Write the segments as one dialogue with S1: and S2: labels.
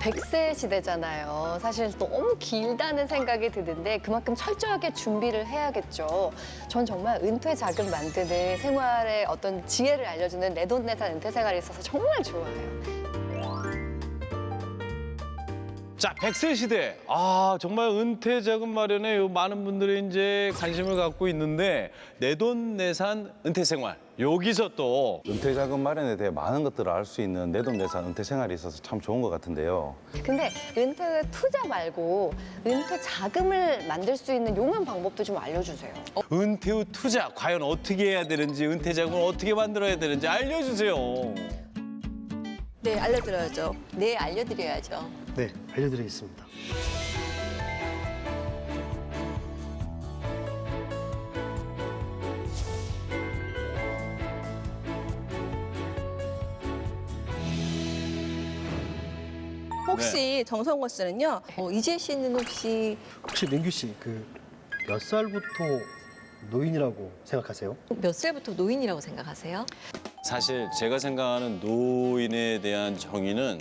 S1: 100세 시대잖아요. 사실 너무 길다는 생각이 드는데 그만큼 철저하게 준비를 해야겠죠. 전 정말 은퇴 자금 만드는 생활의 어떤 지혜를 알려주는 내돈내산 은퇴 생활이 있어서 정말 좋아해요.
S2: 자, 100세 시대. 아, 정말 은퇴 자금 마련에 많은 분들이 이제 관심을 갖고 있는데 내돈내산 은퇴 생활. 여기서 또
S3: 은퇴 자금 마련에 대해 많은 것들을 알 수 있는 내돈내산 은퇴 생활이 있어서 참 좋은 것 같은데요.
S1: 근데 은퇴 투자 말고 은퇴 자금을 만들 수 있는 용한 방법도 좀 알려주세요.
S2: 은퇴 후 투자 과연 어떻게 해야 되는지, 은퇴 자금을 어떻게 만들어야 되는지 알려주세요.
S4: 네, 알려드려야죠.
S5: 네, 알려드려야죠.
S6: 네, 알려드리겠습니다.
S4: 혹시 정성호 씨는요?
S5: 이재 씨는 혹시
S6: 혹시 민규 씨, 몇 살부터 노인이라고 생각하세요?
S5: 몇 살부터 노인이라고 생각하세요?
S2: 사실 제가 생각하는 노인에 대한 정의는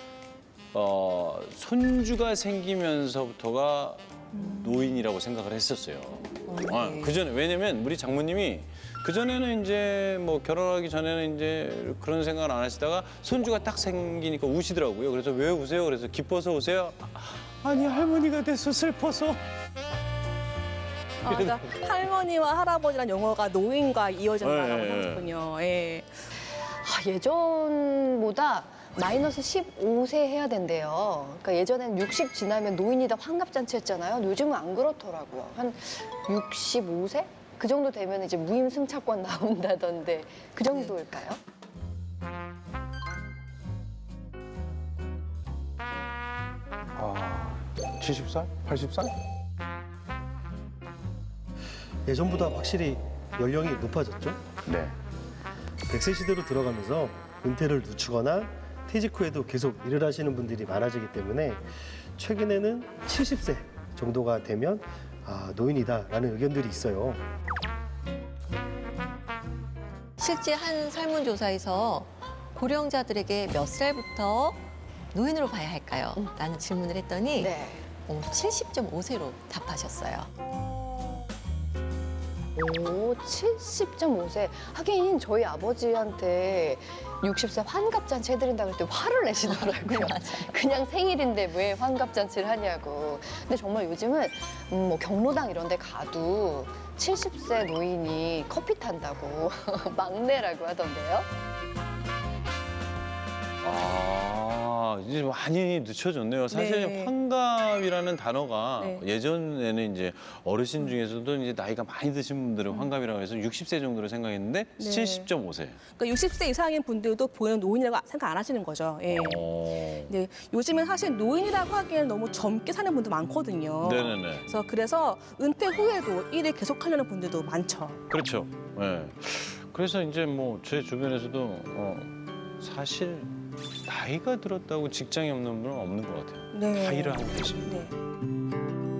S2: 손주가 생기면서부터가 노인이라고 생각을 했었어요.
S5: 네.
S2: 그전에 왜냐면 우리 장모님이 그전에는 이제 뭐 결혼하기 전에는 이제 그런 생각을 안 하시다가 손주가 딱 생기니까 우시더라고요. 그래서 왜 우세요? 그래서 기뻐서 우세요? 아니 할머니가 돼서 슬퍼서.
S4: 그러니까 할머니와 할아버지란 용어가 노인과 이어진다고
S2: 네.
S4: 하셨군요. 예.
S1: 예전보다 마이너스 15세 해야 된대요. 그러니까 예전엔 60 지나면 노인이다 환갑잔치 했잖아요. 요즘은 안 그렇더라고요. 한 65세? 그 정도 되면 이제 무임승차권 나온다던데 그 정도일까요?
S3: 아, 70살? 80살?
S6: 예전보다 확실히 연령이 높아졌죠?
S3: 네.
S6: 100세 시대로 들어가면서 은퇴를 늦추거나 퇴직 후에도 계속 일을 하시는 분들이 많아지기 때문에 최근에는 70세 정도가 되면 노인이다라는 의견들이 있어요.
S5: 실제 한 설문조사에서 고령자들에게 몇 살부터 노인으로 봐야 할까요? 라는 질문을 했더니
S1: 네.
S5: 70.5세로 답하셨어요.
S1: 오, 70.5세. 하긴 저희 아버지한테 60세 환갑잔치 해드린다 그럴 때 화를 내시더라고요. 그냥 생일인데 왜 환갑잔치를 하냐고. 근데 정말 요즘은 뭐 경로당 이런 데 가도 70세 노인이 커피 탄다고 막내라고 하던데요.
S2: 이제 많이 늦춰졌네요. 사실
S4: 네.
S2: 환갑이라는 단어가
S4: 네.
S2: 예전에는 이제 어르신 중에서도 이제 나이가 많이 드신 분들은 환갑이라고 해서 60세 정도로 생각했는데
S4: 네.
S2: 70.5세.
S4: 그러니까 60세 이상인 분들도 본인 노인이라고 생각 안 하시는 거죠. 예. 네, 요즘엔 사실 노인이라고 하기에는 너무 젊게 사는 분도 많거든요.
S2: 네네네.
S4: 그래서 은퇴 후에도 일을 계속하려는 분들도 많죠.
S2: 그렇죠. 네. 그래서 이제 뭐 제 주변에서도 사실 나이가 들었다고 직장이 없는 분은 없는 것 같아요.
S4: 네.
S2: 다 일을 하고 계십니다.
S4: 네.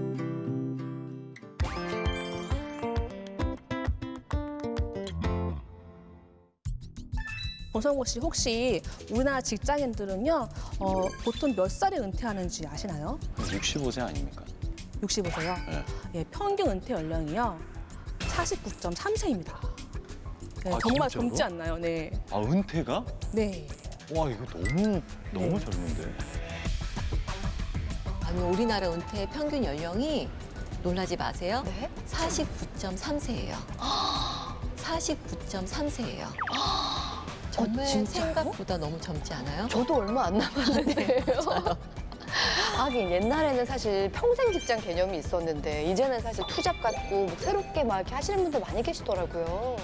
S4: 정성호 씨 혹시 우리나라 직장인들은요 보통 몇 살에 은퇴하는지 아시나요?
S2: 65세 아닙니까?
S4: 65세요?
S2: 네.
S4: 예, 평균 은퇴 연령이요 49.3세입니다. 네,
S2: 아,
S4: 정말
S2: 진짜로?
S4: 젊지 않나요? 네.
S2: 아, 은퇴가?
S4: 네.
S2: 와, 이거 너무 젊은데.
S5: 아니, 우리나라 은퇴 평균 연령이 놀라지 마세요.
S1: 네?
S5: 49.3세예요. 49.3세예요. 정말
S1: 진짜요?
S5: 생각보다 너무 젊지 않아요?
S1: 저도 얼마 안 남았는데요. 하긴 옛날에는 사실 평생 직장 개념이 있었는데 이제는 사실 투잡 같고 뭐 새롭게 막 이렇게 하시는 분들 많이 계시더라고요.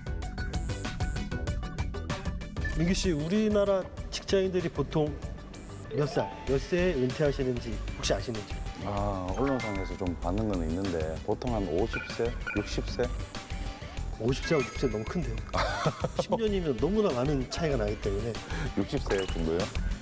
S6: 민규 씨, 우리나라 직장인들이 보통 몇 세에 은퇴하시는지 혹시 아시는지?
S3: 언론상에서 좀 받는 건 있는데 보통 한 50세, 60세?
S6: 50세하고 60세 너무 큰데요. 10년이면 너무나 많은 차이가 나기 때문에
S3: 60세 정도요?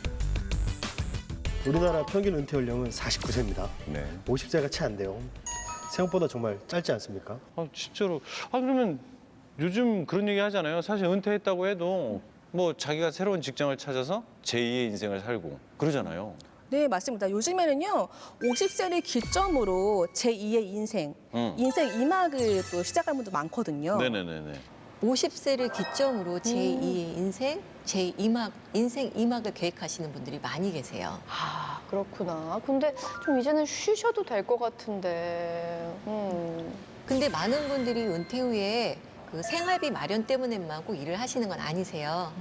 S6: 우리나라 평균 은퇴 연령은 49세입니다.
S3: 네.
S6: 50세가 채 안 돼요. 생각보다 정말 짧지 않습니까?
S2: 진짜로. 그러면 요즘 그런 얘기 하잖아요. 사실 은퇴했다고 해도 뭐 자기가 새로운 직장을 찾아서 제2의 인생을 살고 그러잖아요.
S4: 네, 맞습니다. 요즘에는요, 50세를 기점으로 제2의 인생, 인생 2막을 또 시작하는 분도 많거든요.
S2: 네네네네.
S5: 50세를 기점으로 제2의 인생, 인생 2막을 계획하시는 분들이 많이 계세요.
S1: 아, 그렇구나. 근데 좀 이제는 쉬셔도 될 것 같은데.
S5: 근데 많은 분들이 은퇴 후에 그 생활비 마련 때문에만 꼭 일을 하시는 건 아니세요.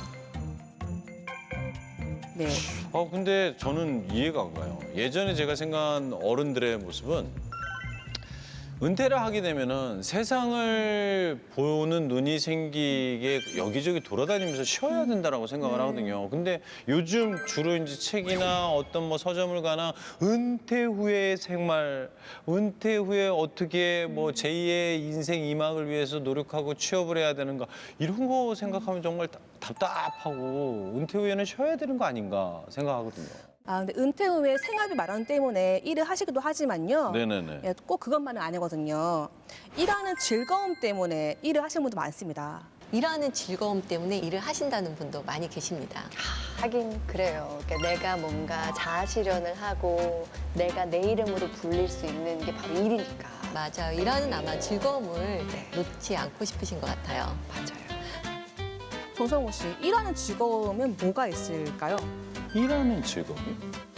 S4: 네.
S2: 근데 저는 이해가 안 가요. 예전에 제가 생각한 어른들의 모습은 은퇴를 하게 되면은 세상을 보는 눈이 생기게 여기저기 돌아다니면서 쉬어야 된다라고 생각을 하거든요. 근데 요즘 주로 이제 책이나 어떤 뭐 서점을 가나 은퇴 후의 생활, 은퇴 후에 어떻게 뭐 제2의 인생 2막을 위해서 노력하고 취업을 해야 되는가 이런 거 생각하면 정말 답답하고 은퇴 후에는 쉬어야 되는 거 아닌가 생각하거든요.
S4: 아, 근데 은퇴 후에 생활비 마련 때문에 일을 하시기도 하지만요.
S2: 네네네.
S4: 예, 꼭 그것만은 아니거든요. 일하는 즐거움 때문에 일을 하시는 분도 많습니다.
S5: 일하는 즐거움 때문에 일을 하신다는 분도 많이 계십니다.
S1: 하긴 그래요. 그러니까 내가 뭔가 자아 실현을 하고 내가 내 이름으로 불릴 수 있는 게 바로 일이니까.
S5: 맞아요. 일하는 아마 즐거움을 놓지 않고 싶으신 것 같아요.
S1: 맞아요.
S4: 정성호 씨, 일하는 즐거움은 뭐가 있을까요?
S2: 일하는 즐거움이?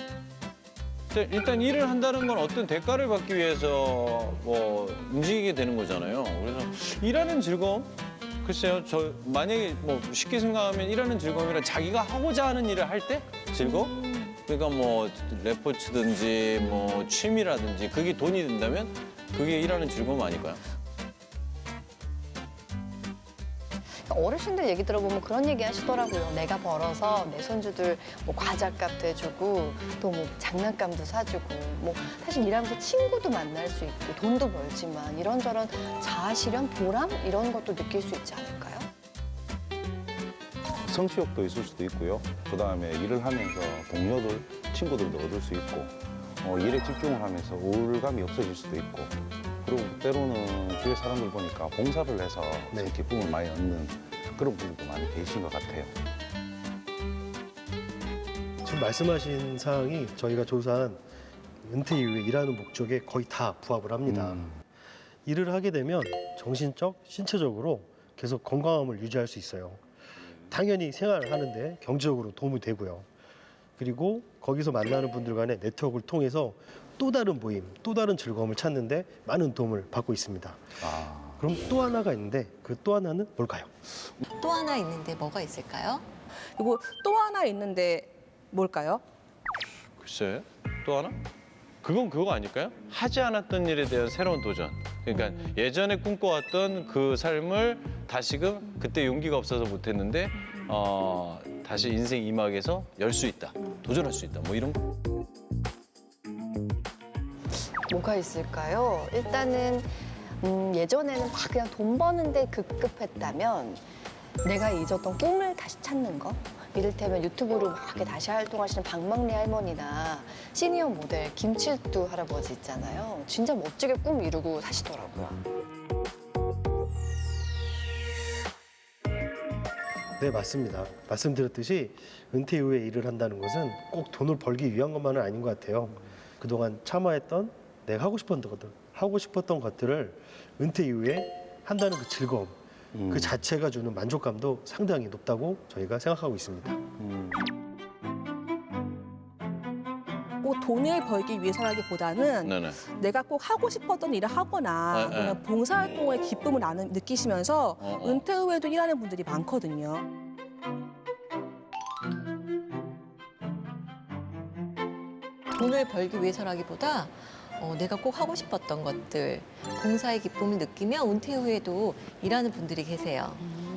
S2: 일단 일을 한다는 건 어떤 대가를 받기 위해서 뭐 움직이게 되는 거잖아요. 그래서 일하는 즐거움? 글쎄요, 저 만약에 뭐 쉽게 생각하면 일하는 즐거움이란 자기가 하고자 하는 일을 할 때 즐거움? 그러니까 뭐 레포츠든지 뭐 취미라든지 그게 돈이 된다면 그게 일하는 즐거움 아닐까요?
S1: 어르신들 얘기 들어보면 그런 얘기 하시더라고요. 내가 벌어서 내 손주들 뭐 과자값도 해주고 또 뭐 장난감도 사주고 뭐 사실 일하면서 친구도 만날 수 있고 돈도 벌지만 이런저런 자아 실현, 보람 이런 것도 느낄 수 있지 않을까요?
S3: 성취욕도 있을 수도 있고요. 그다음에 일을 하면서 동료들, 친구들도 얻을 수 있고 일에 집중을 하면서 우울감이 없어질 수도 있고 그리고 때로는 주위 사람들 보니까 봉사를 해서
S6: 네.
S3: 기쁨을 많이 얻는 그런 분들도 많이 계신 것 같아요.
S6: 지금 말씀하신 사항이 저희가 조사한 은퇴 이후에 일하는 목적에 거의 다 부합을 합니다. 일을 하게 되면 정신적, 신체적으로 계속 건강함을 유지할 수 있어요. 당연히 생활을 하는데 경제적으로 도움이 되고요. 그리고 거기서 만나는 분들 간의 네트워크를 통해서 또 다른 모임, 또 다른 즐거움을 찾는데 많은 도움을 받고 있습니다. 그럼 또 하나가 있는데 그 또 하나는 뭘까요?
S5: 또 하나 있는데 뭐가 있을까요?
S4: 그리고 또 하나 있는데 뭘까요?
S2: 글쎄, 또 하나? 그건 그거 아닐까요? 하지 않았던 일에 대한 새로운 도전. 그러니까 예전에 꿈꿔왔던 그 삶을 다시금 그때 용기가 없어서 못했는데 다시 인생 2막에서 열 수 있다, 도전할 수 있다, 뭐 이런 거.
S1: 뭐가 있을까요? 일단은 예전에는 막 그냥 돈 버는데 급급했다면 내가 잊었던 꿈을 다시 찾는 거. 이를테면 유튜브로 막 이렇게 다시 활동하시는 박막래 할머니나 시니어 모델 김칠두 할아버지 있잖아요. 진짜 멋지게 꿈 이루고 사시더라고요.
S6: 네, 맞습니다. 말씀드렸듯이 은퇴 이후에 일을 한다는 것은 꼭 돈을 벌기 위한 것만은 아닌 것 같아요. 그동안 참아했던 내가 하고 싶었던 것들을 은퇴 이후에 한다는 그 즐거움, 그 자체가 주는 만족감도 상당히 높다고 저희가 생각하고 있습니다.
S4: 꼭 돈을 벌기 위해서라기보다는
S2: 네네.
S4: 내가 꼭 하고 싶었던 일을 하거나
S2: 네,
S4: 그냥 봉사활동의 기쁨을 느끼시면서 은퇴 후에도 일하는 분들이 많거든요.
S5: 돈을 벌기 위해서라기보다 내가 꼭 하고 싶었던 것들, 봉사의 기쁨을 느끼며 은퇴 후에도 일하는 분들이 계세요.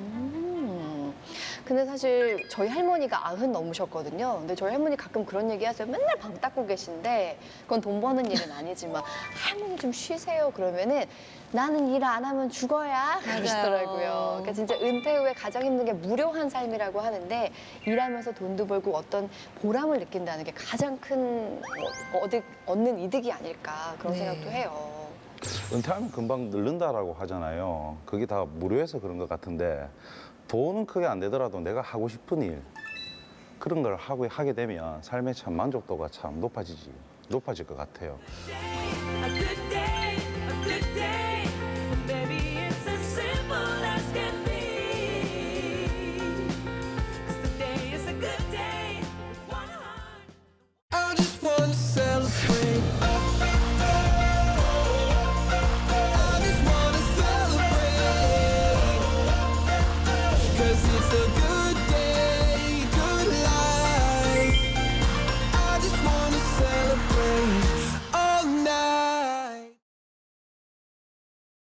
S1: 근데 사실 저희 할머니가 90 넘으셨거든요. 근데 저희 할머니 가끔 그런 얘기 하세요. 맨날 방 닦고 계신데 그건 돈 버는 일은 아니지만 할머니 좀 쉬세요. 그러면은 나는 일 안 하면 죽어야 그러시더라고요. 그러니까 진짜 은퇴 후에 가장 힘든 게 무료한 삶이라고 하는데 일하면서 돈도 벌고 어떤 보람을 느낀다는 게 가장 큰 얻는 이득이 아닐까 그런
S5: 네.
S1: 생각도 해요.
S3: 은퇴하면 금방 늙는다라고 하잖아요. 그게 다 무료해서 그런 것 같은데 돈은 크게 안 되더라도 내가 하고 싶은 일, 그런 걸 하게 되면 삶의 참 만족도가 참 높아질 것 같아요.
S7: A good day, a good day.